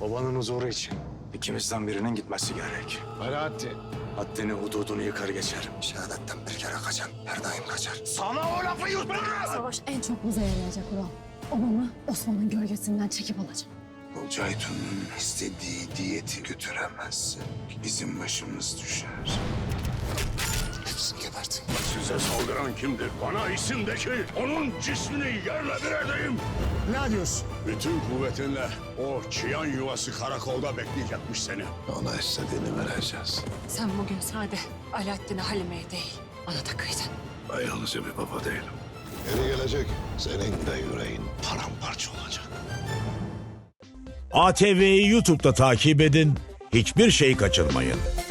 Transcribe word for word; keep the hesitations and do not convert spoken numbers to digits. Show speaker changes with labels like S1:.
S1: Babanın huzuru için.
S2: İkimizden birinin gitmesi gerek.
S1: Alaaddin.
S2: Haddini hududunu yıkar geçerim.
S3: Şehadetten bir kere kaçan her daim kaçar.
S2: Sana o lafı yutmaz!
S4: Savaş en çok bize yarayacak Ural. Babamı Osman'ın gölgesinden çekip alacağım.
S3: O Ceytun'un istediği diyeti götüremezsin. Bizim başımız düşer. Hepsini gebertin.
S5: Size saldıran kimdir? Bana isim de ki onun cismini yerle bir edeyim.
S1: Ne diyorsun?
S5: Bütün kuvvetinle o çıyan yuvası karakolda bekleyecekmiş seni.
S3: Ona istediğini vereceğiz.
S6: Sen bugün sade Alaaddin'e Halime'ye değil, bana da kıydın.
S3: Ben yalnızca bir baba değilim. Geri gelecek. Senin de yüreğin paramparça olacak.
S7: A T V'yi YouTube'da takip edin, hiçbir şey kaçırmayın.